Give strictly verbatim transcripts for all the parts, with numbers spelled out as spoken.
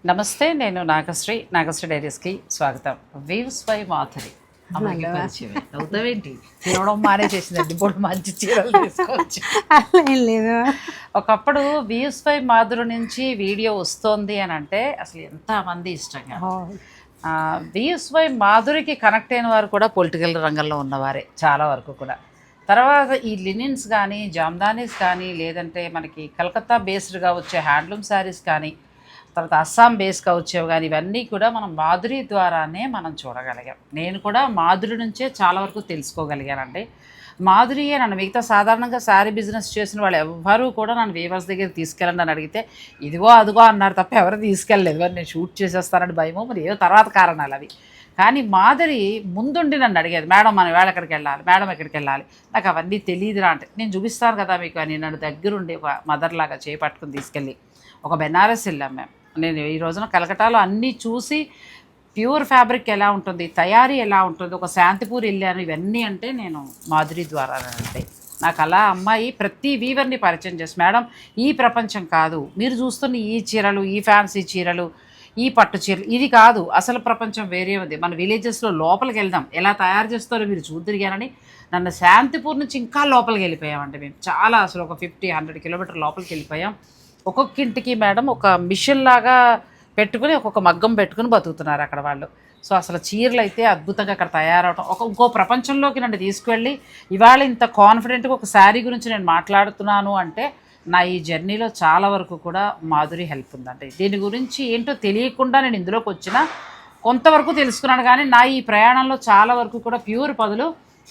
నమస్తే, నేను నాగశ్రీ. నాగశ్రీ డైరీస్కి స్వాగతం. Weaves by Madhuri. అమ్మాయికి పరిచయం అవుతావేంటి? తినడం మానే చేసిందండి. ఇప్పుడు మంచి చీరలు తీసుకోవచ్చు. అలా ఏం లేదు. ఒకప్పుడు వీవ్స్ బై మాధురి నుంచి వీడియో వస్తోంది అని అంటే అసలు ఎంతమంది ఇష్టంగా. వీవ్స్ బై మాధురికి కనెక్ట్ అయిన వారు కూడా పొలిటికల్ రంగంలో ఉన్నవారే చాలా వరకు కూడా. తర్వాత ఈ లినిన్స్ కానీ, జామ్దానీస్ కానీ, లేదంటే మనకి కలకత్తా బేస్డ్గా వచ్చే హ్యాండ్లూమ్ శారీస్ కానీ, తర్వాత అస్సాం బేస్గా వచ్చేవి కానీ, ఇవన్నీ కూడా మనం మాధురి ద్వారానే మనం చూడగలిగాం. నేను కూడా మాధురి నుంచే చాలా వరకు తెలుసుకోగలిగానండి. మాధురి నన్ను మిగతా సాధారణంగా శారీ బిజినెస్ చేసిన వాళ్ళు ఎవ్వరూ కూడా నన్ను వీవర్స్ దగ్గర తీసుకెళ్ళండి అని అడిగితే ఇదిగో అదిగో అన్నారు తప్ప ఎవరు తీసుకెళ్ళలేదు. మరి నేను షూట్ చేసేస్తానని భయమో మరి ఏదో తర్వాత కారణాలు అవి. కానీ మాధురి ముందుండి నన్ను అడిగేది, మేడం మనం వేళ ఎక్కడికి వెళ్ళాలి, మేడం ఎక్కడికి వెళ్ళాలి, నాకు అవన్నీ తెలియదురా అంటే, నేను చూపిస్తాను కదా మీకు అని నన్ను దగ్గరుండి ఒక మదర్ లాగా చేపట్టుకుని తీసుకెళ్ళి ఒక బెనారస్ వెళ్ళాం మేము. నేను ఈ రోజున కలకటాలో అన్నీ చూసి ప్యూర్ ఫ్యాబ్రిక్ ఎలా ఉంటుంది, తయారీ ఎలా ఉంటుంది, ఒక శాంతిపూర్ వెళ్ళాను. ఇవన్నీ అంటే నేను మాధురి ద్వారా అంటే నాకు అలా అమ్మాయి ప్రతి వీవర్ని పరిచయం చేసి, మేడం ఈ ప్రపంచం కాదు, మీరు చూస్తున్న ఈ చీరలు, ఈ ఫ్యాన్సీ చీరలు, ఈ పట్టు చీరలు ఇది కాదు, అసలు ప్రపంచం వేరే ఉంది, మన విలేజెస్లో లోపలికి వెళ్దాం, ఎలా తయారు చేస్తారో మీరు చూద్దరిగానని నన్ను శాంతిపూర్ నుంచి ఇంకా లోపలికి వెళ్ళిపోయామండి. మేము చాలా అసలు ఒక ఫిఫ్టీ హండ్రెడ్ కిలోమీటర్ లోపలికి వెళ్ళిపోయాం. ఒక్కొక్క ఇంటికి మేడం ఒక మిషన్ లాగా పెట్టుకుని ఒక్కొక్క మగ్గం పెట్టుకుని బతుకుతున్నారు అక్కడ వాళ్ళు. సో అసలు చీరలు అయితే అద్భుతంగా అక్కడ తయారవడం, ఒక ఇంకో ప్రపంచంలోకి నన్ను తీసుకువెళ్ళి ఇవాళ ఇంత కాన్ఫిడెంట్గా ఒక శారీ గురించి నేను మాట్లాడుతున్నాను అంటే నా ఈ జర్నీలో చాలా వరకు కూడా మాధురి హెల్ప్ ఉందండి. దీని గురించి ఏంటో తెలియకుండా నేను ఇందులోకి వచ్చిన కొంతవరకు తెలుసుకున్నాను. కానీ నా ఈ ప్రయాణంలో చాలా వరకు కూడా ప్యూర్ పదులు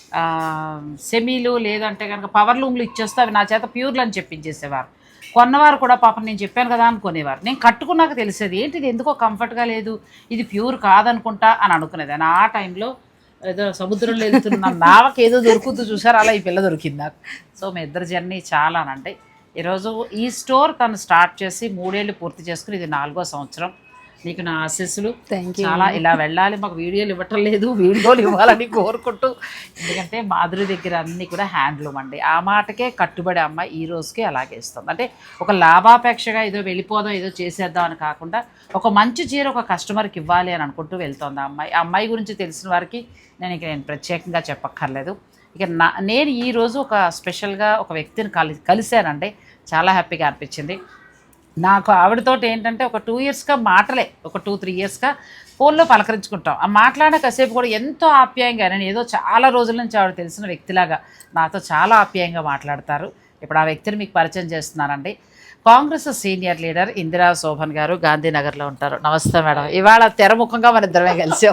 సెమీలు లేదంటే కనుక పవర్ లూమ్లు ఇచ్చేస్తే అవి నా చేత ప్యూర్లు అని చెప్పించేసేవారు. కొన్నవారు కూడా పాపం నేను చెప్పాను కదా అనుకునేవారు. నేను కట్టుకున్నాక తెలిసేది ఏంటి ఇది ఎందుకో కంఫర్ట్గా లేదు, ఇది ప్యూర్ కాదనుకుంటా అని అనుకునేది. అని ఆ టైంలో ఏదో సముద్రంలో వెళ్తున్న నావకి ఏదో దొరుకుతూ చూసారు, అలా ఈ పిల్ల దొరికింది నాకు. సో మీ ఇద్దరు జర్నీ చాలా అంటే ఈరోజు ఈ స్టోర్ తను స్టార్ట్ చేసి మూడేళ్ళు పూర్తి చేసుకుని ఇది నాలుగో సంవత్సరం. నీకు నా ఆశీస్సులు. చాలా ఇలా వెళ్ళాలి, మాకు వీడియోలు ఇవ్వటం లేదు, వీడియోలు ఇవ్వాలని కోరుకుంటూ. ఎందుకంటే మాధురి దగ్గర అన్నీ కూడా హ్యాండ్లూమ్ అండి. ఆ మాటకే కట్టుబడి అమ్మాయి ఈ రోజుకి అలాగే ఇస్తుంది. అంటే ఒక లాభాపేక్షగా ఏదో వెళ్ళిపోదాం ఏదో చేసేద్దాం అని కాకుండా ఒక మంచి చీర ఒక కస్టమర్కి ఇవ్వాలి అని అనుకుంటూ వెళ్తుంది ఆ అమ్మాయి. ఆ అమ్మాయి గురించి తెలిసిన వారికి నేను ఇక నేను ప్రత్యేకంగా చెప్పక్కర్లేదు. ఇక నా నేను ఈరోజు ఒక స్పెషల్గా ఒక వ్యక్తిని కలి కలిశానండి. చాలా హ్యాపీగా అనిపించింది నాకు. ఆవిడతోటి ఏంటంటే ఒక టూ ఇయర్స్గా మాటలే, ఒక టూ త్రీ ఇయర్స్గా ఫోన్లో పలకరించుకుంటాం. ఆ మాట్లాడిన కాసేపు కూడా ఎంతో ఆప్యాయంగా, నేను ఏదో చాలా రోజుల నుంచి ఆవిడ తెలిసిన వ్యక్తిలాగా నాతో చాలా ఆప్యాయంగా మాట్లాడతారు. ఇప్పుడు ఆ వ్యక్తిని మీకు పరిచయం చేస్తున్నానండి. Congress senior leader Indira Shobhan garu గాంధీనగర్లో ఉంటారు. నమస్తే మేడం. ఇవాళ తెరముఖంగా మన ఇద్దరమే కలిసాం.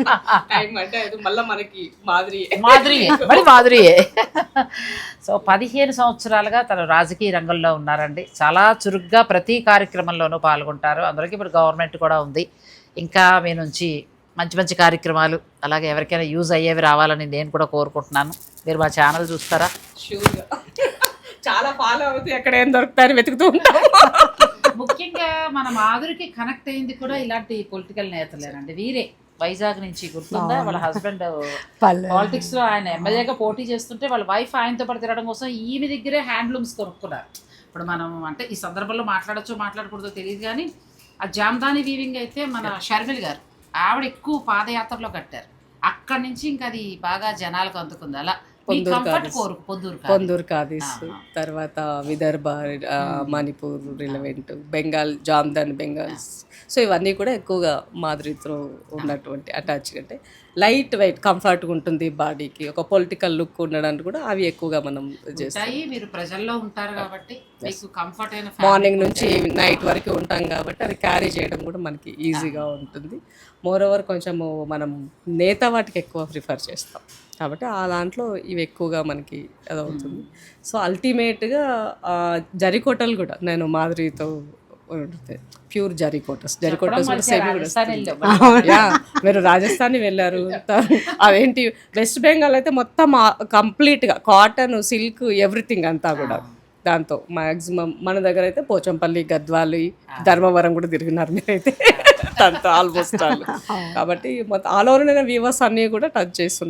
మాధురియే మరి మాధురియే. సో పదిహేను సంవత్సరాలుగా తను రాజకీయ రంగంలో ఉన్నారండి. చాలా చురుగ్గా ప్రతి కార్యక్రమంలోనూ పాల్గొంటారు. అందరికీ ఇప్పుడు గవర్నమెంట్ కూడా ఉంది. ఇంకా మీ నుంచి మంచి మంచి కార్యక్రమాలు అలాగే ఎవరికైనా యూజ్ అయ్యేవి రావాలని నేను కూడా కోరుకుంటున్నాను. మీరు మా ఛానల్ చూస్తారా? షూర్గా చాలా ఫాలో అవుతాయి, ఎక్కడ ఏం దొరుకుతాయని వెతుకుతూ ఉంటాం. ముఖ్యంగా మన మాధురికి కనెక్ట్ అయింది కూడా ఇలాంటి పొలిటికల్ నేతలేనండి. వీరే వైజాగ్ నుంచి గుర్తుందా, వాళ్ళ హస్బెండ్ పాలిటిక్స్ లో ఆయన ఎమ్మెల్యేగా పోటీ చేస్తుంటే వాళ్ళ వైఫ్ ఆయనతో పాటు తిరగడం కోసం ఈమె దగ్గరే హ్యాండ్లూమ్స్ కొనుక్కున్నారు. ఇప్పుడు మనం అంటే ఈ సందర్భంలో మాట్లాడచ్చో మాట్లాడకూడదో తెలియదు కానీ ఆ జామ్దాని వీవింగ్ అయితే మన షర్మిల్ గారు ఆవిడ ఎక్కువ పాదయాత్రలో కట్టారు. అక్కడి నుంచి ఇంకా అది బాగా జనాలకు అందుకుంది. అలా పొందూరు కాదీస్, తర్వాత విదర్భ, మణిపూర్ రిలవెంట్, బెంగాల్ జామ్దాన్ బెంగాల్స్. సో ఇవన్నీ కూడా ఎక్కువగా మాధురితో ఉన్నటువంటి అటాచ్, అంటే లైట్ వెయిట్ కంఫర్ట్గా ఉంటుంది బాడీకి, ఒక పొలిటికల్ లుక్ ఉండడానికి కూడా అవి ఎక్కువగా మనం చేస్తాం. మీరు ప్రజల్లో ఉంటారు కాబట్టి మార్నింగ్ నుంచి నైట్ వరకు ఉంటాం కాబట్టి అది క్యారీ చేయడం కూడా మనకి ఈజీగా ఉంటుంది. మోర్ ఓవర్ కొంచెము మనం నేత వాటికి ఎక్కువ ప్రిఫర్ చేస్తాం కాబట్టి ఆ దాంట్లో ఇవి ఎక్కువగా మనకి అదవుతుంది. సో అల్టిమేట్గా జరీకోటలు కూడా నేను మాధురితో ప్యూర్ జరీకోటస్ జరీకోటస్ కూడా సెమీ కూడా మీరు రాజస్థాన్ వెళ్ళారు, అదేంటి వెస్ట్ బెంగాల్ అయితే మొత్తం కంప్లీట్గా కాటన్, సిల్క్, ఎవ్రీథింగ్ అంతా కూడా దాంతో మ్యాక్సిమం. మన దగ్గర అయితే పోచంపల్లి, గద్వాలు, ధర్మవరం కూడా తిరిగినారు మీరైతే దాంతో ఆల్మోస్ట్ ఆల్. కాబట్టి మొత్తం ఆల్ ఓవర్ వీవర్స్ అన్నీ కూడా టచ్ చేస్తున్నారు.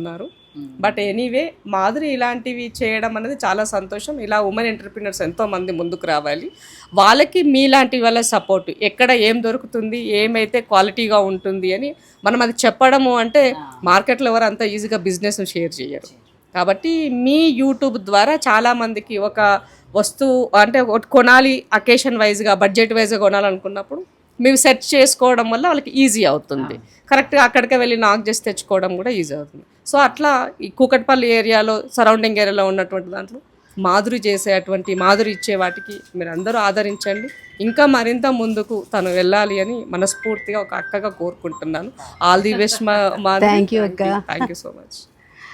బట్ ఎనీవే మాధురి ఇలాంటివి చేయడం అనేది చాలా సంతోషం. ఇలా ఉమెన్ ఎంటర్ప్రినర్స్ ఎంతో మంది ముందుకు రావాలి. వాళ్ళకి మీలాంటి వాళ్ళ సపోర్ట్, ఎక్కడ ఏం దొరుకుతుంది, ఏమైతే క్వాలిటీగా ఉంటుంది అని మనం అది చెప్పడము అంటే మార్కెట్లో ఎవరు అంత ఈజీగా బిజినెస్ను షేర్ చేయరు. కాబట్టి మీ యూట్యూబ్ ద్వారా చాలామందికి ఒక వస్తువు అంటే ఒకటి కొనాలి, అకేషన్ వైజ్గా బడ్జెట్ వైజ్గా కొనాలనుకున్నప్పుడు మేము సెర్చ్ చేసుకోవడం వల్ల వాళ్ళకి ఈజీ అవుతుంది. కరెక్ట్గా అక్కడికే వెళ్ళి నాక్ చేసి తెచ్చుకోవడం కూడా ఈజీ అవుతుంది. సో అట్లా ఈ కూకట్పల్లి ఏరియాలో సరౌండింగ్ ఏరియాలో ఉన్నటువంటి దాంట్లో మాధురి చేసేటువంటి మాధురి ఇచ్చే వాటికి మీరు అందరూ ఆదరించండి. ఇంకా మరింత ముందుకు తను వెళ్ళాలి అని మనస్ఫూర్తిగా ఒక అక్కగా కోరుకుంటున్నాను. ఆల్ ది బెస్ట్ మా థ్యాంక్ యూ అక్క. Thank you so much.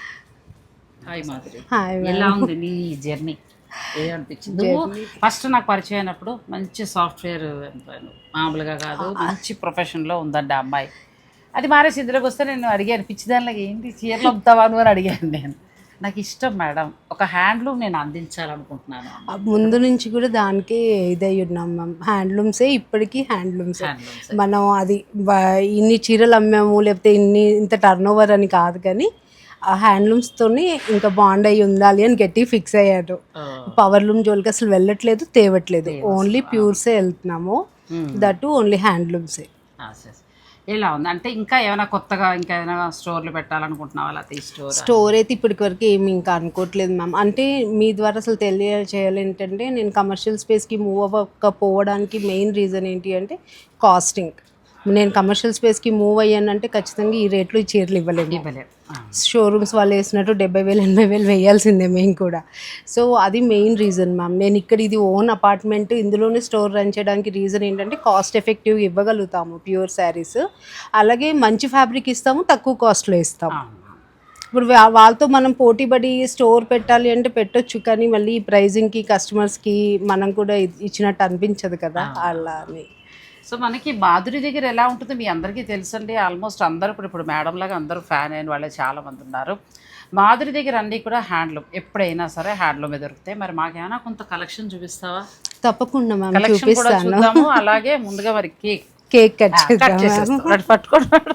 Hi Madhuri, hi ఎలా ఉంది నీ జర్నీ? ఏమనిపించింది? ఫస్ట్ నాకు పరిచయం అయినప్పుడు మంచి సాఫ్ట్వేర్ ఎంప్లాయ్, మామూలుగా కాదు, మంచి ప్రొఫెషన్లో ఉందండి ఆ అమ్మాయి. అది మారేసి ఇందులోకి వస్తే నేను అడిగాను, పిచ్చిదానిలాగా ఏంటి చీరలు అమ్ముతావా నువ్వు అని అడిగాను. నేను నాకు ఇష్టం మేడం, ఒక హ్యాండ్లూమ్ నేను అందించాలనుకుంటున్నాను. ముందు నుంచి కూడా దానికే ఇదై ఉన్నాం మ్యామ్. హ్యాండ్లూమ్సే ఇప్పటికీ హ్యాండ్లూమ్స్. మనం అది ఇన్ని చీరలు అమ్మాము లేకపోతే ఇన్ని ఇంత టర్న్ ఓవర్ అని కాదు, కానీ ఆ హ్యాండ్లూమ్స్తోని ఇంకా బాండ్ అయ్యి ఉండాలి అని గట్టి ఫిక్స్ అయ్యారు. పవర్ లూమ్ జోలికి అసలు వెళ్ళట్లేదు, తేవట్లేదు, ఓన్లీ ప్యూర్సే వెళ్తున్నాము. దట్ ఓన్లీ హ్యాండ్లూమ్సే. ఎలా ఉంది అంటే ఇంకా ఏమైనా కొత్తగా ఇంకా ఏమైనా స్టోర్లు పెట్టాలనుకుంటున్నావా? లేకపోతే స్టోర్ స్టోర్ అయితే ఇప్పటికి వరకు ఏమి ఇంకా అనుకోవట్లేదు మ్యామ్. అంటే మీ ద్వారా అసలు తెలియచేయాలి ఏంటంటే, నేను కమర్షియల్ స్పేస్కి మూవ్ అవ్వకపోవడానికి మెయిన్ రీజన్ ఏంటి అంటే కాస్టింగ్. నేను కమర్షియల్ స్పేస్కి మూవ్ అయ్యానంటే ఖచ్చితంగా ఈ రేట్లు ఈ చీరలు ఇవ్వలేము. ఇవ్వలేము. షోరూమ్స్ వాళ్ళు వేసినట్టు డెబ్బై వేలు ఎనభై వేలు వేయాల్సిందే మేము కూడా. సో అది మెయిన్ రీజన్ మ్యామ్. నేను ఇక్కడ ఇది ఓన్ అపార్ట్మెంట్, ఇందులోనే స్టోర్ రన్ చేయడానికి రీజన్ ఏంటంటే కాస్ట్ ఎఫెక్టివ్గా ఇవ్వగలుగుతాము ప్యూర్ శారీస్, అలాగే మంచి ఫ్యాబ్రిక్ ఇస్తాము, తక్కువ కాస్ట్లో ఇస్తాము. ఇప్పుడు వాళ్ళతో మనం పోటీపడి స్టోర్ పెట్టాలి అంటే పెట్టొచ్చు, కానీ మళ్ళీ ఈ ప్రైజింగ్కి కస్టమర్స్కి మనం కూడా ఇచ్చినట్టు అనిపించదు కదా అలా అని. సో మనకి మాధురి దగ్గర ఎలా ఉంటుంది మీ అందరికీ తెలుసండి. ఆల్మోస్ట్ అందరూ ఇప్పుడు ఇప్పుడు మేడం లాగా అందరూ ఫ్యాన్ అయిన వాళ్ళే చాలామంది ఉన్నారు. మాధురి దగ్గర అన్నీ కూడా హ్యాండ్లూమ్, ఎప్పుడైనా సరే హ్యాండ్లూమే దొరుకుతాయి. మరి మాకేమైనా కొంత కలెక్షన్ చూపిస్తావా? తప్పకుండా మ్యామ్, కలెక్షన్ కూడా చూద్దాము. అలాగే ముందుగా మరి కేక్ కేక్ కట్ చేద్దాం. పట్టుకోండి,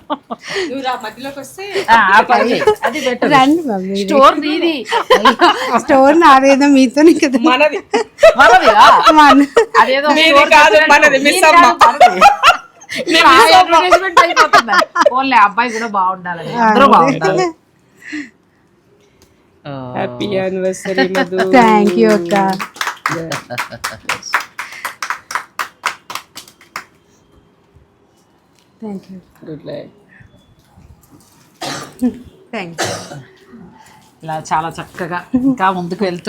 స్టోర్ నీది, స్టోర్ నాదేదో మీతో కదా. అదేదో ఓన్లీ అబ్బాయి కూడా బాగుండాలని, అందరూ బాగుండాలి. Happy anniversary Madhu. Thank you అక్క. Thank you. Good life. Thank you. ఇలా చాలా చక్కగా ఇంకా ముందుకు వెళ్తూ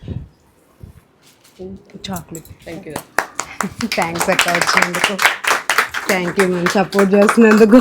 చాక్లెట్. Thank you. థ్యాంక్స్ అక్క వచ్చినందుకు. థ్యాంక్ యూ మ్యామ్, సపోర్ట్ చేస్తున్నందుకు.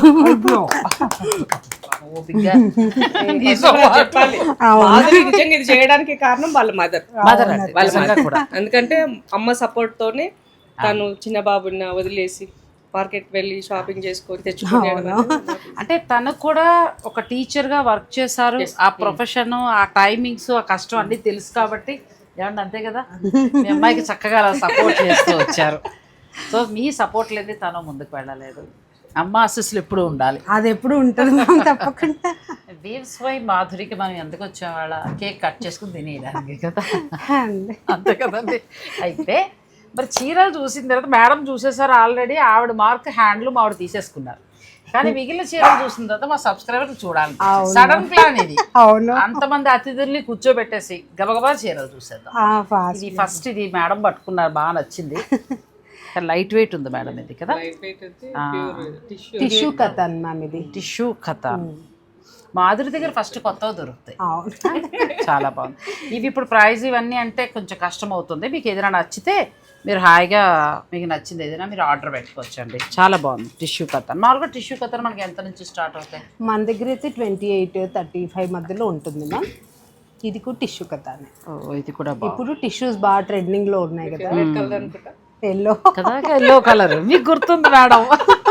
నిజంగా ఇది చేయడానికి కారణం వాళ్ళ మదర్. మదర్ వాళ్ళ మదర్ కూడా, ఎందుకంటే అమ్మ సపోర్ట్ తోనే తను చిన్న బాబుని వదిలేసి మార్కెట్ వెళ్ళి షాపింగ్ చేసుకొని తెచ్చుకున్నాడు. అంటే తనకు కూడా ఒక టీచర్గా వర్క్ చేశారు. ఆ ప్రొఫెషన్, ఆ టైమింగ్స్, ఆ కష్టం అన్నీ తెలుసు కాబట్టి ఏమంటే అంతే కదా, మీ అమ్మాయికి చక్కగా అలా సపోర్ట్ చేస్తూ వచ్చారు. సో మీ సపోర్ట్ లేని తను ముందుకు వెళ్ళలేదు. అమ్మ ఆశీస్సులు ఎప్పుడు ఉండాలి. అది ఎప్పుడు ఉంటుంది తప్పకుండా. వీవ్స్ బై మాధురికి మనం ఎందుకు వచ్చేవాళ్ళ కేక్ కట్ చేసుకుని తినేయడానికి కదా, అంతే కదండి. అయితే మరి చీరలు చూసిన తర్వాత మేడం చూసేసారు ఆల్రెడీ, ఆవిడ మార్క్ హ్యాండ్లూమ్ ఆవిడ తీసేసుకున్నారు. కానీ మిగిలిన చీరలు చూసిన తర్వాత మా సబ్స్క్రైబర్లు చూడాలి. సడన్ ప్లాన్ ఇది. అవును, అంతమంది అతిథుల్ని కూర్చోబెట్టేసి గబగబా చీరలు చూసేద్దాం. ఇది ఫస్ట్ ఇది మేడం పట్టుకున్నారు, బాగా నచ్చింది. లైట్ వెయిట్ ఉంది మేడం ఇది కదా, టిష్యూ కథన్ మ్యామ్. ఇది టిష్యూ కథ. మాధురి దగ్గర ఫస్ట్ కొత్తవి దొరుకుతాయి, చాలా బాగుంది. ఇవి ఇప్పుడు ప్రైజ్ ఇవన్నీ అంటే కొంచెం కష్టం అవుతుంది. మీకు ఏదైనా నచ్చితే మీరు హాయిగా మీకు నచ్చింది ఏదైనా మీరు ఆర్డర్ పెట్టుకోవచ్చండి. చాలా బాగుంది టిష్యూ కథన్. మామూలుగా టిష్యూ కథన్ మనకి ఎంత నుంచి స్టార్ట్ అవుతాయి? మన దగ్గర అయితే ట్వంటీ ఎయిట్ థర్టీ ఫైవ్ మధ్యలో ఉంటుంది మ్యామ్. ఇది కూడా టిష్యూ కథనే. ఇది కూడా ఇప్పుడు టిష్యూస్ బాగా ట్రెండింగ్ లో ఉన్నాయి కదా. ఎల్లో కదా, ఎల్లో కలర్ మీకు గుర్తుంది మేడం.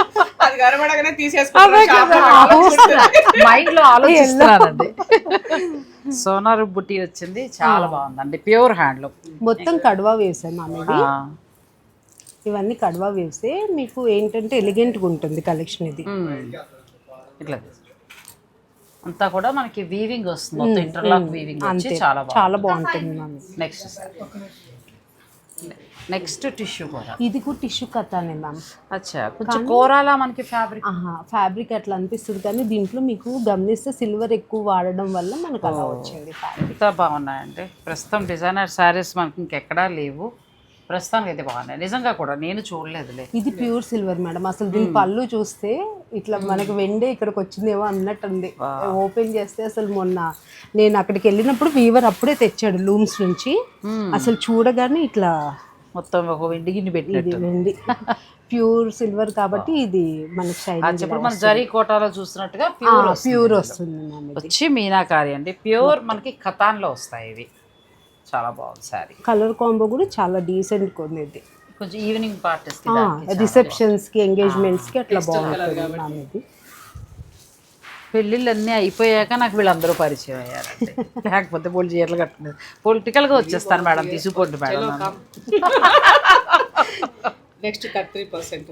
మైండ్ లో ఆలోచిస్తున్నానండి. సోనారు బుట్టి వచ్చింది, చాలా బాగుందండి. ప్యూర్ హ్యాండ్లూమ్, మొత్తం కడ్వా వేవ్స్ మామూలు. ఇవన్నీ కడ్వా వేవ్సే. మీకు ఏంటంటే ఎలిగెంట్గా ఉంటుంది కలెక్షన్. ఇది ఇట్లా అంతా కూడా మనకి వీవింగ్ వస్తుంది, మొత్తం ఇంటర్లాక్ వీవింగ్ వచ్చి చాలా బాగుంది. చాలా బాగుంటుంది ma'am. Next sir, next tissue కూర. ఇది కూడా టిష్యూ కథనే మ్యామ్. అచ్చా, కొంచెం కూరలా మనకి ఫ్యాబ్రిక్. ఆహా, ఫ్యాబ్రిక్ అట్లా అనిపిస్తుంది కానీ దీంట్లో మీకు గమనిస్తే సిల్వర్ ఎక్కువ వాడడం వల్ల మనకు అలా వచ్చింది. ఎంత బాగున్నాయండి ప్రస్తుతం డిజైనర్ శారీస్ మనకి ఇంకెక్కడా లేవు, ప్రస్తుతానికి అయితే బాగున్నాయి నిజంగా కూడా, నేను చూడలేదులే. ఇది ప్యూర్ సిల్వర్ మేడం. అసలు దీని పళ్ళు చూస్తే ఇట్లా మనకి వెండే ఇక్కడికి వచ్చిందేమో అన్నట్టుంది. ఓపెన్ చేస్తే అసలు మొన్న నేను అక్కడికి వెళ్ళినప్పుడు వీవర్ అప్పుడే తెచ్చాడు లూమ్స్ నుంచి, అసలు చూడగానే ఇట్లా మొత్తం ఒక వెండి గిన్నె పెట్టినట్టు. వెండి ప్యూర్ సిల్వర్ కాబట్టి ఇది మనకి షైనింగ్ ఇప్పుడు మన జరీ కోటాలో చూస్తున్నట్టుగా ప్యూర్ ప్యూర్ వస్తుంది మ్యామ్. వచ్చి మీనాకారి అండి, ప్యూర్ మనకి ఖతాన్లో వస్తాయి ఇవి. చాలా బాగుంది శారీ. కలర్ కాంబో కూడా చాలా డీసెంట్ ఉంది ఇది. కొంచెం ఈవినింగ్ పార్టీస్ రిసెప్షన్స్ కి ఎంగేజ్మెంట్స్ కి అట్లా బాగుంటుంది మ్యామ్. ఇది పెళ్ళిళ్ళు అన్నీ అయిపోయాక నాకు వీళ్ళందరూ పరిచయం అయ్యారండి, లేకపోతే పోలి చీరలు కట్టలేదు. పొలిటికల్గా వచ్చేస్తాను మేడం, తీసుకోండి మేడం. నెక్స్ట్ త్రీ పర్సెంట్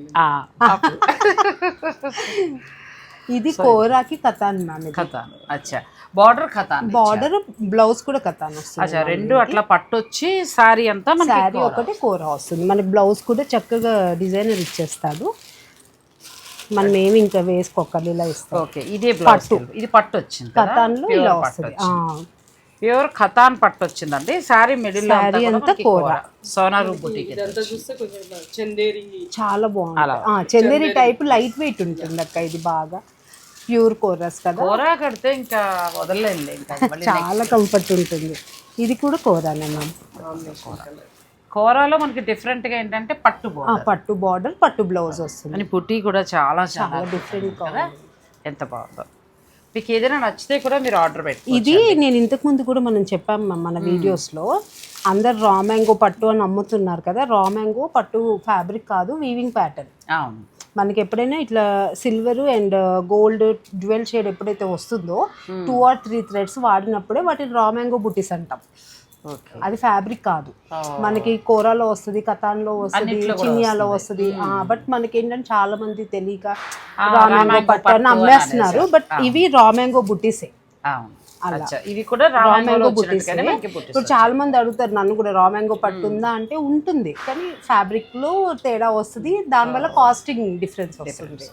ఇది కోరాకి కథాన్ మ్యామ్. ఖతాన్. అచ్చా, బార్డర్ ఖతాన్, బార్డర్ బ్లౌజ్ కూడా కథాన్ వస్తుంది. అచ్చా, రెండు అట్లా పట్టొచ్చి శారీ అంతా శారీ ఒకటి కోర వస్తుంది మనకి. బ్లౌజ్ కూడా చక్కగా డిజైనర్ ఇచ్చేస్తాడు, మనం ఏమి ఇంకా వేసుకోవాలి, ఇలా ఇస్తాం. ఓకే, ఇదే పట్టు, ఇది పట్టు వచ్చింది కథాన్లో ఇలా వస్తుంది. ప్యూర్ ఖతాన్ పట్టు వచ్చిందండి. శారీ మిడిల్ శారీ అంతా కోర. సోనారు బుటీకి చూస్తే కొంచెం చందేరి చాలా బాగుంది. చందేరి టైప్ లైట్ వెయిట్ ఉంటుంది అక్క. ఇది బాగా ప్యూర్ కోరస్ కదా, కూర కడితే ఇంకా వదలలేదు, ఇంకా చాలా కంఫర్ట్ ఉంటుంది. ఇది కూడా కోరానే మ్యామ్. కూరలో మనకి డిఫరెంట్ గా ఏంటంటే పట్టు బోర్డర్, పట్టు బార్డర్ పట్టు బ్లౌజ్ వస్తుంది. అని పుట్టి కూడా చాలా చాలా డిఫరెంట్ కదా, ఎంత బాగుందో. మీకు ఏదైనా నచ్చితే కూడా మీరు ఆర్డర్ పెట్టి. ఇది నేను ఇంతకు ముందు కూడా మనం చెప్పాం మన వీడియోస్ లో, అందరు రా మ్యాంగో పట్టు అని అమ్ముతున్నారు కదా. రా మ్యాంగో పట్టు ఫ్యాబ్రిక్ కాదు, వీవింగ్ ప్యాటర్న్. అవును, మనకి ఎప్పుడైనా ఇట్లా silver and gold dual shade ఎప్పుడైతే వస్తుందో టూ ఆర్ త్రీ థ్రెడ్స్ వాడినప్పుడే వాటిని రా మ్యాంగో బుట్టీస్ అంటాం. అది ఫ్యాబ్రిక్ కాదు, మనకి కోరాలో వస్తుంది, కథాన్లో వస్తుంది, చినియాలో వస్తుంది. బట్ మనకి ఏంటంటే చాలా మంది తెలియక రా మ్యాంగో పట్టు అని అమ్మేస్తున్నారు, బట్ ఇవి రా మ్యాంగో బుట్టీసే. ఇవి కూడా రా మ్యాంగో బుట్టీస్. ఇప్పుడు చాలా మంది అడుగుతారు నన్ను కూడా, రా మ్యాంగో పట్టు ఉందా అంటే ఉంటుంది, కానీ ఫ్యాబ్రిక్ లో తేడా వస్తుంది, దానివల్ల కాస్టింగ్ డిఫరెన్స్ వస్తుంది.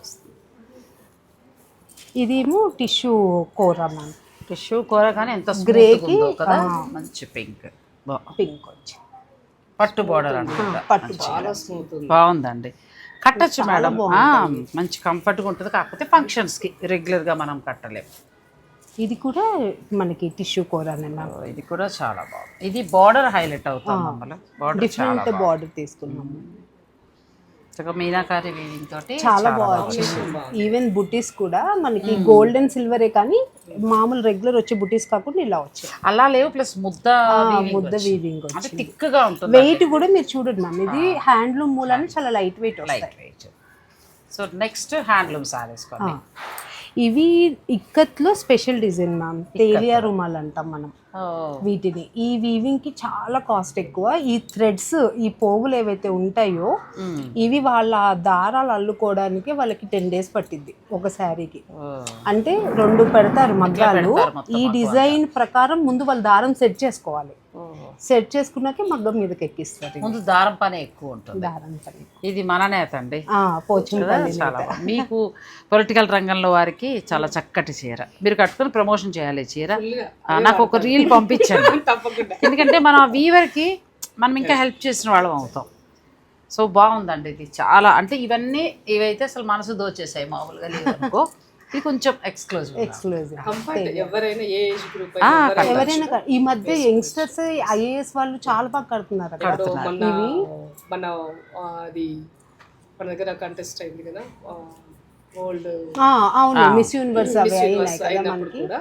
ఇదేమో టిష్యూ కోర మ్యామ్. టిష్యూ కూర కానీ ఎంత గ్రేకి కదా, మంచి పింక్ పింక్ వచ్చి పట్టు బోర్డర్ అనుకుంటా, పట్టు బాగుందండి. కట్టచ్చు మేడం, మంచి కంఫర్ట్గా ఉంటుంది. కాకపోతే ఫంక్షన్స్కి రెగ్యులర్గా మనం కట్టలేము. ఇది కూడా మనకి టిష్యూ కోరానే మ్యామ్. ఇది కూడా చాలా బాగుంది. ఇది బార్డర్ హైలైట్ అవుతుంది మమ్మల్ని, బార్డర్ డిఫరెంట్ బార్డర్ తీసుకున్నాము. మీనాకారి వీవింగ్ తోటి చాలా బాగుంది. ఈవెన్ బుటీస్ కూడా మనకి గోల్డ్ అండ్ సిల్వరే, కానీ మామూలు రెగ్యులర్ వచ్చే బుటీస్ కాకుండా ఇలా వచ్చాయి. అలా లేవు, ప్లస్ ముద్ద ముద్ద వీవింగ్ అంటే థిక్ గా ఉంటుంది. వెయిట్ కూడా మీరు చూడండి మ్యామ్, ఇది హ్యాండ్లూమ్ మూలాన్ని చాలా light weight light weight. So next handloom sarees కొన్ని. ఇవి ఇక్కత్లో special design ma'am, Telia Rumal అంటాం మనం వీటిని. ఈ వీవింగ్ కి చాలా కాస్ట్ ఎక్కువ. ఈ థ్రెడ్స్, ఈ పోగులు ఏవైతే ఉంటాయో ఇవి వాళ్ళ దారాలు అల్లుకోవడానికి వాళ్ళకి టెన్ డేస్ పట్టింది ఒక శారీకి. అంటే రెండు పెడతారు మగ్గాలు. ఈ డిజైన్ ప్రకారం ముందు వాళ్ళు దారం సెట్ చేసుకోవాలి, సెట్ చేసుకున్నాకే మగ్గం మీదకి ఎక్కిస్తారు. ముందు దారం పని ఎక్కువ ఉంటుంది. దారం పని ఇది మన నేత అండి, పోచంపల్లి. చాలా మీకు పొలిటికల్ రంగంలో వారికి చాలా చక్కటి చీర, మీరు కట్టుకుని ప్రమోషన్ చేయాలి చీర. నాకు ఒక రీల్ పంపించండి, ఎందుకంటే మనం ఆ వీవర్కి మనం ఇంకా హెల్ప్ చేసిన వాళ్ళం అవుతాం. సో బాగుందండి ఇది చాలా. అంటే ఇవన్నీ ఇవైతే అసలు మనసు దోచేసాయి, మామూలుగా లేవనుకో. ఇది కొంచెం ఎక్స్క్లూజివ్ ఎక్స్క్లూజివ్ ఎవరైనా ఏ ఏజ్ గ్రూప్ ఎవరైనా. ఈ మధ్య యంగ్స్టర్స్ ఐఏఎస్ వాళ్ళు చాలా బాగా కడుతున్నారు. ఇవి మన అది మన దగ్గర కంటెస్ట్ అయింది కదా, ఓల్డ్ అవును మిస్ యూనివర్స్ అవి అయినాయి కదా మనకి.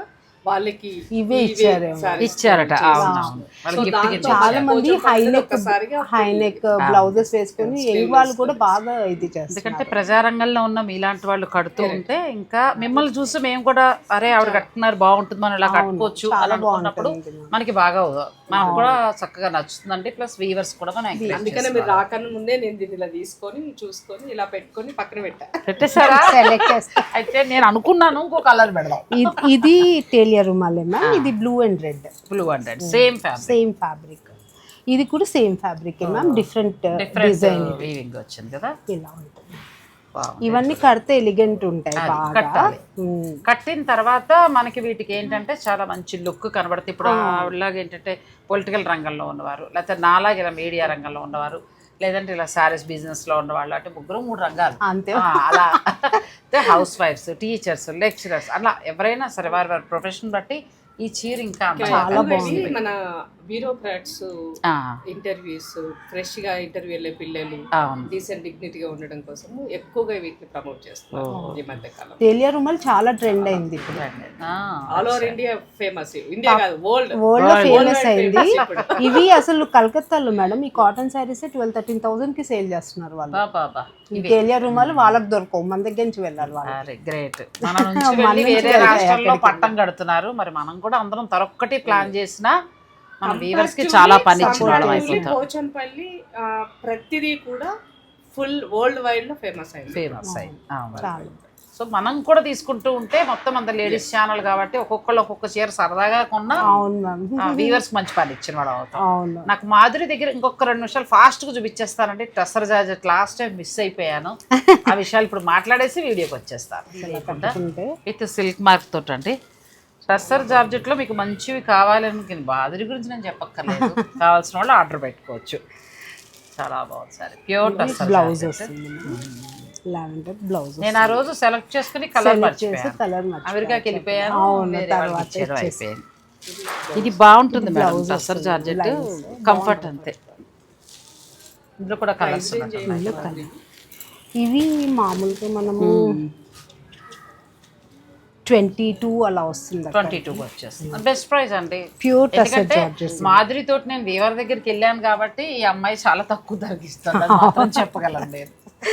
వాళ్ళకి ఇవే ఇచ్చారు ఇచ్చారట. అవునవును, వాళ్ళకి gift కింద చాలా మంది హైనెక్ హైనెక్ బ్లౌజెస్ వేసుకొని యంగ్ వాళ్ళు కూడా బాగా ఇది చేస్తారు. ఎందుకంటే ప్రజారంగంలో ఉన్న మీలాంటి వాళ్ళు కడుతూ ఉంటే ఇంకా మిమ్మల్ని చూసి మేము కూడా అరే ఆవిడ కట్టుకున్నారు బాగుంటుంది, మనం ఇలా కట్టుకోవచ్చు అని అనుకున్నప్పుడు మనకి బాగా మనకు కూడా చక్కగా నచ్చుతుందండి. ప్లస్ వీవర్స్ కూడా మనం encourage అందుకనే మీరు రాకన్నా ముందే నేను దీన్ని ఇలా తీసుకొని చూసుకొని ఇలా పెట్టుకొని పక్కన పెట్టా. పెట్టేశారా? సెలెక్ట్ చేస్తారు. అయితే నేను అనుకున్నాను ఇంకో కలర్ పెడదాం. ఇది- ఇది టేలియా రుమాలే మ్యామ్, ఇది blue and red blue hundred same fabric same fabric. ఇది కూడా same fabric ma'am, different design weaving వచ్చింది కదా. ఇలా ఉంటుంది. ఇవన్నీ కడితే ఎలిగెంట్ ఉంటాయి బాగా. కట్టాలి. ఉమ్. కట్టిన తర్వాత మనకి వీటికి ఏంటంటే చాలా మంచి లుక్ కనబడుతుంది. ఇప్పుడు ఆవిడలాగా ఏంటంటే పొలిటికల్ రంగంలో ఉన్నవారు, లేకపోతే నాలాగా ఇలా మీడియా రంగంలో ఉన్నవారు, లేదంటే ఇలా శారీస్ బిజినెస్లో ఉన్నవాళ్ళు, అంటే ముగ్గురు మూడు రంగాలు అంతే. ఆ, అలా హౌస్ వైఫ్స్, టీచర్స్, లెక్చరర్స్, అలా ఎవరైనా సరే వారి వారి ప్రొఫెషన్ బట్టి ఈ చీర ఇంకా చాలా బాగుంది. మన బ్యూరోక్రాట్స్ ఆ, ఇంటర్వ్యూస్, ఫ్రెష్ గా ఇంటర్వ్యూ వెళ్ళే పిల్లలు అవును. డీసెంట్ డిగ్నిటీగా ఉండడం కోసం ఎక్కువగా వీటిని ప్రమోట్ చేస్తున్నారు ఈ మధ్య కాలం. టేలియా రుమాల్ చాలా ట్రెండ్ అయింది ఇప్పుడు, ఆ, all over India famous, India కాదు వరల్డ్ వరల్డ్ లో ఫేమస్ అయింది. ఇవి అసలు కలకత్తాలో మేడం ఈ cotton sarees twelve thirteen thousand కి సేల్ చేస్తున్నారు వాళ్ళు. బా బాబా ఈ టేలియా రుమాలు వాళ్ళకి దొరకవు, మన దగ్గర నుంచి వెళ్ళాలి వాళ్ళు. అరే గ్రేట్. మన నుంచి వెళ్ళి వేరే రాష్ట్రాల్లో పట్టం కడుతున్నారు. మరి మనం కూడా అందరం తరొక్కటి ప్లాన్ చేసినా మన వీవర్స్ కి చాలా పని ఇచ్చిన వాళ్ళం అయిపోతాం. పోచంపల్లి ప్రతిదీ కూడా ఫుల్ వరల్డ్ వైడ్ లో ఫేమస్ అయింది. ఫేమస్ అయింది. సో మనం కూడా తీసుకుంటూ ఉంటే మొత్తం అంత లేడీస్ ఛానల్ కాబట్టి ఒక్కొక్కళ్ళు ఒక్కొక్క చీర సరదాగా కొన్నా అవును మ్యామ్, వీవర్స్ మంచి పని ఇచ్చిన వాడు అవుతాం. అవును. నాకు మాధురి దగ్గర ఇంకొక రెండు నిమిషాలు ఫాస్ట్ గా చూపించేస్తానండి. Tussar georgette last time miss అయిపోయాను. ఆ విషయాలు ఇప్పుడు మాట్లాడేసి వీడియోకి వచ్చేస్తాను. విత్ సిల్క్ మార్క్ తోటి అండి. టస్సర్ జార్జెట్లో మీకు మంచివి కావాలని బాధరి గురించి నేను చెప్పక్కర్లేదు, కావాల్సిన వాళ్ళు ఆర్డర్ పెట్టుకోవచ్చు. చాలా బాగుంది సార్, ప్యూర్ టస్సర్ బ్లౌజ్ వస్తుంది, లావెండర్ బ్లౌజ్. నేను ఆ రోజు సెలెక్ట్ చేసుకుని కలర్ మర్చిపోయాను, కలర్ అమెరికాకి వెళ్ళిపోయాను, వేరే వాళ్ళకి ఇచ్చారు, అయిపోయాను. ఇది బాగుంటుంది మేడం టస్సర్ జార్జెట్, కంఫర్ట్ అంతే. ఇందులో కూడా కలర్స్ కలర్. ఇవి మామూలుగా మనము ట్వంటీ టూ అలా వస్తుంది, ట్వంటీ టూ వచ్చేస్తుంది. బెస్ట్ ప్రైస్ అండి, ప్యూర్ టస్సర్ ఎందుకంటే జార్జెట్. మాధురి తోటి నేను వీవర్ దగ్గరికి వెళ్ళాను కాబట్టి ఈ అమ్మాయి చాలా తక్కువ ధరకి ఇస్తుంది, అది మాత్రం చెప్పగలను నేను.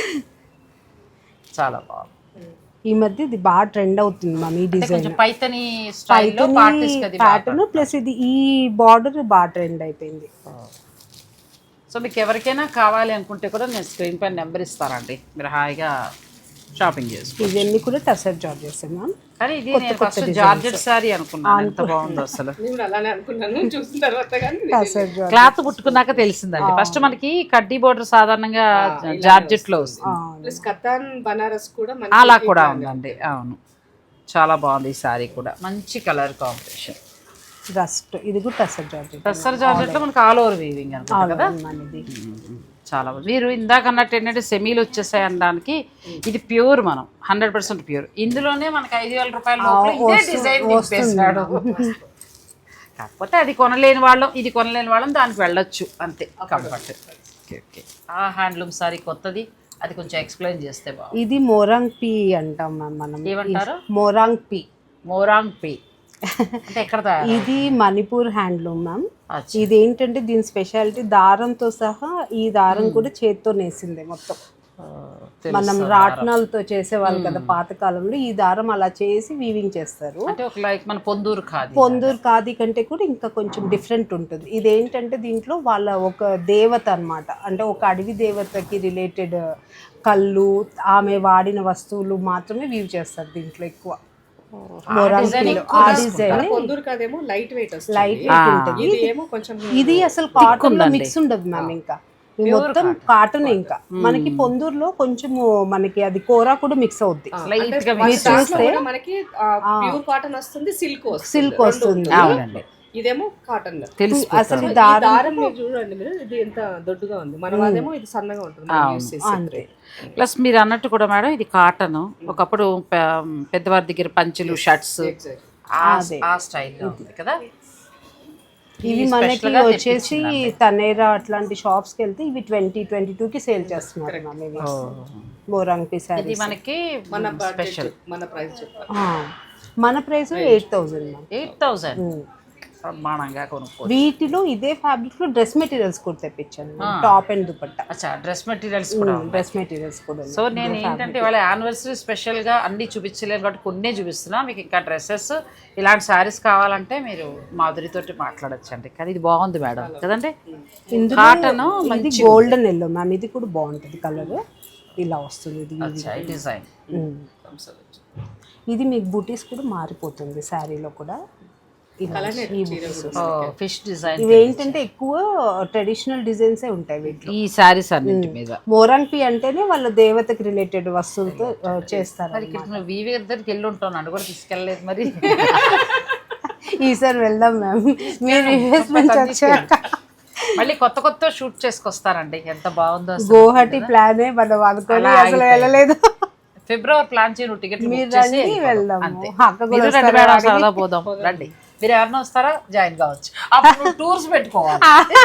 చాలా బాగుంది. ఈ మధ్య ఇది బాగా ట్రెండ్ అవుతుంది మ్యామ్ ఈ డిజైన్, కొంచెం పైతని స్టైల్లో పార్టీస్ కది ప్యాటర్న్ ప్లస్ ఇది ఈ బార్డర్ బాగా ట్రెండ్ అయిపోయింది. సో మీకు ఎవరికైనా కావాలి అనుకుంటే కూడా నేను స్క్రీన్ పైన నెంబర్ ఇస్తానండి, మీరు హాయిగా షాపింగ్ చేసుకో. ఇవన్నీ కూడా టస్సర్ జార్జెట్స్ మ్యామ్. కానీ ఇది నేను ఫస్ట్ జార్జెట్ సారీ అనుకున్నాను, ఎంత బాగుందో అసలు. నేను అలానే అనుకున్నాను చూసిన తర్వాత, కానీ టస్సర్ జార్జెట్ క్లాత్ పుట్టుకున్నాక తెలిసిందండి. ఫస్ట్ మనకి కడ్డీ బోర్డర్ సాధారణంగా జార్జెట్ లో వస్తుంది, ప్లస్ కతాన్ బనారస్ కూడా అలా కూడా ఉందండి. అవును, చాలా బాగుంది ఈ సారీ కూడా, మంచి కలర్ కాంబినేషన్. రస్ట్ ఇది కూడా టస్సర్ జార్జెట్. టస్సర్ జార్జెట్ లో మనకి ఆల్ ఓవర్ వీవింగ్ అనుకుంటా కదా. చాలా బాగుంది. మీరు ఇందాక అన్నట్టు ఏంటంటే సెమీలు వచ్చేసాయి అనడానికి ఇది ప్యూర్, మనం హండ్రెడ్ పర్సెంట్ ప్యూర్. ఇందులోనే మనకి ఐదు వేల రూపాయల లోపల ఇదే డిజైన్ నింపేసాడు. కాకపోతే అది కొనలేని వాళ్ళం, ఇది కొనలేని వాళ్ళం దానికి వెళ్ళొచ్చు అంతే, కంఫర్ట్. Okay okay. ఆ హ్యాండ్లూమ్ సారీ కొత్తది, అది కొంచెం ఎక్స్ప్లెయిన్ చేస్తే బాగుంది. ఇది మోరాంగ్ పీ అంటాం మ్యామ్ మనం. ఏమంటారు? మోరాంగ్ పీ. మోరాంగ్ పీ అంటే ఎక్కడ తయారు? ఇది మణిపూర్ హ్యాండ్లూమ్ మ్యామ్. ఇదేంటంటే దీని స్పెషాలిటీ దారంతో సహా, ఈ దారం కూడా చేత్తో నేసిందే మొత్తం. మనం రాట్నాలతో చేసేవాళ్ళు కదా పాతకాలంలో, ఈ దారం అలా చేసి వీవింగ్ చేస్తారు. అంటే ఒక లైక్ మన పొందూరు ఖాదీ, పొందూరు ఖాదీ కంటే కూడా ఇంకా కొంచెం డిఫరెంట్ ఉంటుంది. ఇదేంటంటే దీంట్లో వాళ్ళ ఒక దేవత అన్నమాట, అంటే ఒక అడవి దేవతకి రిలేటెడ్ కళ్ళు, ఆమె వాడిన వస్తువులు మాత్రమే వీవ్ చేస్తారు దీంట్లో ఎక్కువ. పొందూరు కాదేమో లైట్ వెయిట్ వస్తుంది, లైట్ వెయిట్ ఉంటుంది. ఇది ఏమో కొంచెం, ఇది అసలు కాటన్ లో మిక్స్ ఉండదు మ్యామ్, ఇంకా ఇది మొత్తం కాటన్. ఇంకా మనకి పొందూరులో కొంచెము మనకి అది కోరా కూడా మిక్స్ అవుద్ది. చూస్తే మనకి ప్యూర్ కాటన్ వస్తుంది, సిల్క్ సిల్క్ వస్తుంది. ఇదేమో కాటన్. అసలు దారం మీరు చూడండి, మీరు ఇది ఎంత దొడ్డుగా ఉంది, మన వాళ్ళేమో ఇది సన్నగా ఉంటుంది. ప్లస్ మీరు అన్నట్టు కూడా మేడం ఇది కాటన్, ఒకప్పుడు పెద్దవారి దగ్గర పంచులు, షర్ట్స్ ఆ స్టైల్లో ఉంది కదా. ఇవి మనకి వచ్చేసి తనేరా అట్లాంటి షాప్స్కి వెళ్తే ఇవి ట్వంటీ ట్వంటీ టూ కి సేల్ చేస్తున్నారు మ్యామ్. ఇవి మోరాంగ్ పీ సారీస్ మనకి మన స్పెషల్, మన ప్రైస్ చెప్పాలి. మన price eight thousand ma'am. Eight thousand ప్రమాణంగా కొనుక్కో. వీటిలో ఇదే ఫ్యాబ్రిక్ లో డ్రెస్ మెటీరియల్స్ కూడా తెప్పించాను, టాప్ అండ్ దుపట్టా. అచ్చా, డ్రెస్ మెటీరియల్స్ కూడా డ్రెస్ మెటీరియల్స్ కూడా. సో నేను ఏంటంటే వాళ్ళ యానివర్సరీ స్పెషల్గా అన్నీ చూపించలేను కాబట్టి కొన్నే చూపిస్తున్నా. మీకు ఇంకా డ్రెస్సెస్ ఇలాంటి శారీస్ కావాలంటే మీరు మాధురితోటి మాట్లాడచ్చండి. కానీ ఇది బాగుంది మేడం కదండి, కాటన్ ఇది గోల్డెన్ ఎల్లో మ్యామ్. ఇది కూడా బాగుంటుంది కలర్, ఇలా వస్తుంది ఇది డిజైన్. ఇది మీకు బూటీస్ కూడా మారిపోతుంది శారీలో కూడా. ఫిష్ డిజైన్ ఇవి ఏంటంటే ఎక్కువ ట్రెడిషనల్ డిజైన్స్ ఉంటాయి వీటిలో, ఈ శారీస్ అన్నింటి మీద. మోరాంపి అంటేనే వాళ్ళ దేవతకి రిలేటెడ్ వస్తువులతో చేస్తారు. మరి ఇక్కడ నువ్వు వీవి దగ్గరికి వెళ్ళి ఉంటావు, నన్ను కూడా తీసుకెళ్ళలేదు మరి. ఈసారి వెళ్దాం మ్యామ్, మీరు ఇన్వెస్ట్మెంట్ వచ్చాక. మళ్ళీ కొత్త కొత్త షూట్ చేసుకొస్తారండి, ఎంత బాగుందో. గోహటి ప్లానే మనం అనుకోని అసలు వెళ్ళలేదు. ఫిబ్రవరి ప్లాన్ చేయి, నువ్వు టికెట్ మీరు రండి వెళ్దాం. సరదా పోదాం రండి. మీరు ఎవరైనా వస్తారా జాయిన్ కావచ్చు, అప్పుడు టూర్స్ పెట్టుకోవాలి.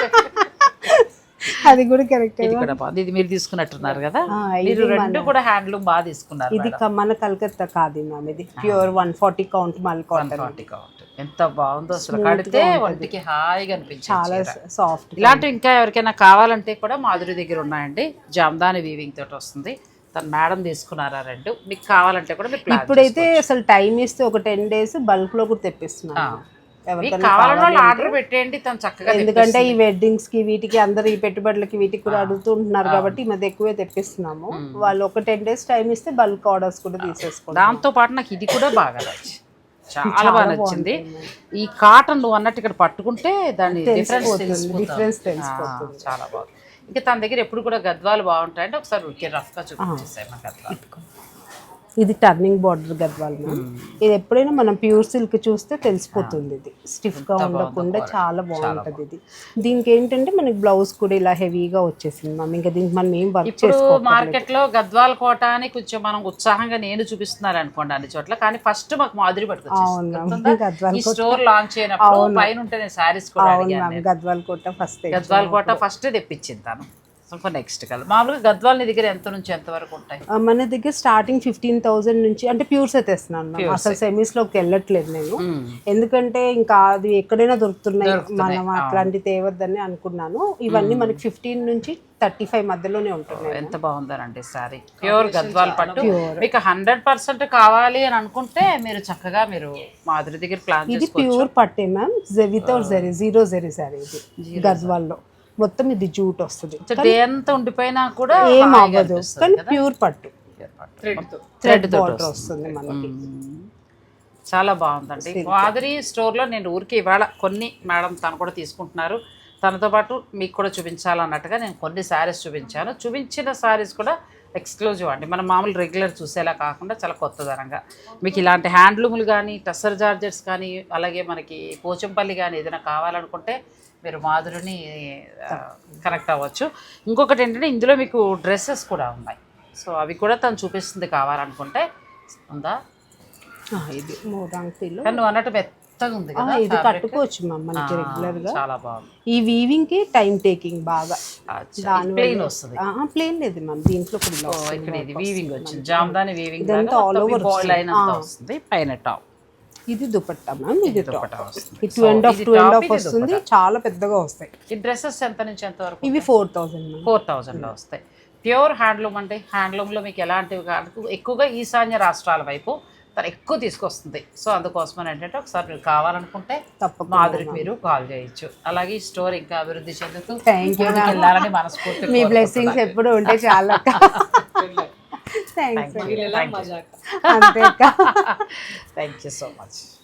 అది కూడా కరెక్ట్. ఇది కూడా బాగుంది, ఇది మీరు తీసుకున్నట్టున్నారు కదా. మీరు రెండు కూడా హ్యాండ్లూమ్ బాగా తీసుకున్నారు. ఇది మన కలకత్తా కాదు మ్యామ్, ఇది pure one forty count mul cotton. ఎంత బాగుందో అసలు, కడితే ఒంటికి హాయిగా అనిపించింది, చాలా సాఫ్ట్. ఇలాంటివి ఇంకా ఎవరికైనా కావాలంటే కూడా మాధురి దగ్గర ఉన్నాయండి. జామ్దాని వీవింగ్ తోటి వస్తుంది. తన మేడం తీసుకున్నారా రెండు, మీకు కావాలంటే కూడా మీరు ఇప్పుడైతే అసలు టైం ఇస్తే ఒక టెన్ డేస్ బల్క్ లో కూడా తెప్పిస్తున్నాను. కావాలన్న వాళ్ళు ఆర్డర్ పెట్టేయండి తను చక్కగా. ఎందుకంటే ఈ వెడ్డింగ్స్ కి వీటికి అందరు ఈ పెట్టుబడులకి వీటికి కూడా అడుగుతుంటున్నారు కాబట్టి ఈ మధ్య ఎక్కువే తెప్పిస్తున్నాము. వాళ్ళు ఒక టెన్ డేస్ టైం ఇస్తే బల్క్ ఆర్డర్స్ కూడా తీసేసుకోండి. దాంతో పాటు నాకు ఇది కూడా బాగా నచ్చింది, చాలా బాగా నచ్చింది. ఈ కాటన్ నువ్వు అన్నట్టు ఇక్కడ పట్టుకుంటే దాని డిఫరెన్స్ డిఫరెన్స్ తెలిసిపోతుంది. చాలా బాగుంది. ఇంకా తన దగ్గర ఎప్పుడు కూడా గద్వాలు బాగుంటాయంటే ఒకసారి ఉడికే రఫ్గా చూపించేసాయి మా గద్వాలు. ఇది టర్నింగ్ బార్డర్ గద్వాల్ మ్యామ్. ఇది ఎప్పుడైనా మనం ప్యూర్ సిల్క్ చూస్తే తెలిసిపోతుంది. ఇది స్టిఫ్ గా ఉండకుండా చాలా బాగుంటది. ఇది దీనికి ఏంటంటే మనకి బ్లౌజ్ కూడా ఇలా హెవీగా వచ్చేసింది మ్యామ్. ఇంకా దీనికి మనం ఏం వర్క్ చేసుకోవాలి. మార్కెట్ లో గద్వాల్ కోట అని కొంచెం మనం ఉత్సాహంగా నేను చూపిస్తున్నారు అనుకోండి అన్ని చోట్ల, కానీ ఫస్ట్ మాకు మాధురి పట్టుకొచ్చింది. స్టోర్ లాంచ్ అయినప్పుడు పైన ఉంటే సారీస్ కూడా గద్వాల్ కోట ఫస్ట్ గద్వాల్ కోట ఫస్ట్ తెప్పించింది తను. నెక్స్ట్ కలర్ మామూలుగా గద్వాల్ నీ దగ్గర ఎంత నుంచి ఎంత వరకు ఉంటాయి? మన దగ్గర స్టార్టింగ్ ఫిఫ్టీన్ థౌసండ్ నుంచి, అంటే ప్యూర్స్ అయితే తెస్తున్నాను అసలు సెమీస్ లోకి వెళ్ళట్లేదు నేను, ఎందుకంటే ఇంకా అది ఎక్కడైనా దొరుకుతున్నాయి మనం అట్లాంటి తేవద్దని అనుకున్నాను. ఇవన్నీ మనకి ఫిఫ్టీన్ నుంచి థర్టీ ఫైవ్ మధ్యలోనే ఉంటున్నాయి. ఎంత బాగుందనండి సారీ, ప్యూర్ గద్వాల్ పట్టు. మీకు హండ్రెడ్ పర్సెంట్ కావాలి అని అనుకుంటే మీరు చక్కగా మీరు మాధురి దగ్గర ప్లాన్. ఇది ప్యూర్ పట్టే ma'am, without zari, zero zari saree ఇది గద్వాల్లో. మొత్తం ఇది జూట్ వస్తుంది, ఎంత ఉండిపోయినా కూడా ఏం అవ్వదు, కానీ ప్యూర్ పట్టు థ్రెడ్ బార్డర్ వస్తుంది మనకి. చాలా బాగుందండి. మాధురి స్టోర్లో నేను ఊరికి ఇవాళ కొన్ని మేడం తను కూడా తీసుకుంటున్నారు, తనతో పాటు మీకు కూడా చూపించాలన్నట్టుగా నేను కొన్ని శారీస్ చూపించాను. చూపించిన శారీస్ కూడా ఎక్స్క్లూజివ్ అండి, మనం మామూలు రెగ్యులర్ చూసేలా కాకుండా చాలా కొత్తదనంగా. మీకు ఇలాంటి హ్యాండ్లూములు కానీ టస్సర్ జార్జెట్స్ కానీ అలాగే మనకి పోచంపల్లి కానీ ఏదైనా కావాలనుకుంటే మీరు మాధురిని కనెక్ట్ అవ్వచ్చు. ఇంకొకటి ఏంటంటే ఇందులో మీకు డ్రెస్సెస్ కూడా ఉన్నాయి, సో అవి కూడా తను చూపిస్తుంది కావాలనుకుంటే. ఉందా ఇది మోరాంగ్లో, కానీ నువ్వు అన్నట్టు మెత్తగా ఉంది కదా, ఇది కట్టుకోవచ్చు మ్యామ్ మనకి రెగ్యులర్ గా. చాలా బాగుంది. ఈ వీవింగ్ కి టైం టేకింగ్ బాగా. ప్లెయిన్ వస్తుంది, ప్లెయిన్ లేదు మ్యామ్ దీంట్లో కూడా. ఇక్కడ ఇది వీవింగ్ వచ్చింది, Jamdani weaving all over line అంతా వస్తుంది. పైన టాప్ ఇది దుపట్టా మ్యామ్, ఇది దుపట్టా వస్తుంది. Two and half two and half వస్తుంది, చాలా పెద్దగా వస్తాయి. ఈ డ్రెస్సెస్ ఎంత నుంచి ఎంత వరకు? ఇవి ఫోర్ థౌసండ్ ఫోర్ థౌసండ్లో వస్తాయి. ప్యూర్ హ్యాండ్లూమ్ అంటే హ్యాండ్లూమ్లో మీకు ఎలాంటివి కాదు, ఎక్కువగా ఈశాన్య రాష్ట్రాల వైపు తను ఎక్కువ తీసుకొస్తుంది. సో అందుకోసమని ఏంటంటే ఒకసారి మీరు కావాలనుకుంటే తప్పకుండా మాధురికి మీరు కాల్ చేయొచ్చు. అలాగే ఈ స్టోర్ ఇంకా అభివృద్ధి చెందుతూ వెళ్ళాలని మనస్ఫూర్తి. మీ బ్లెస్సింగ్స్ ఎప్పుడు ఉంటే చాలా. Thanks, thank you so much.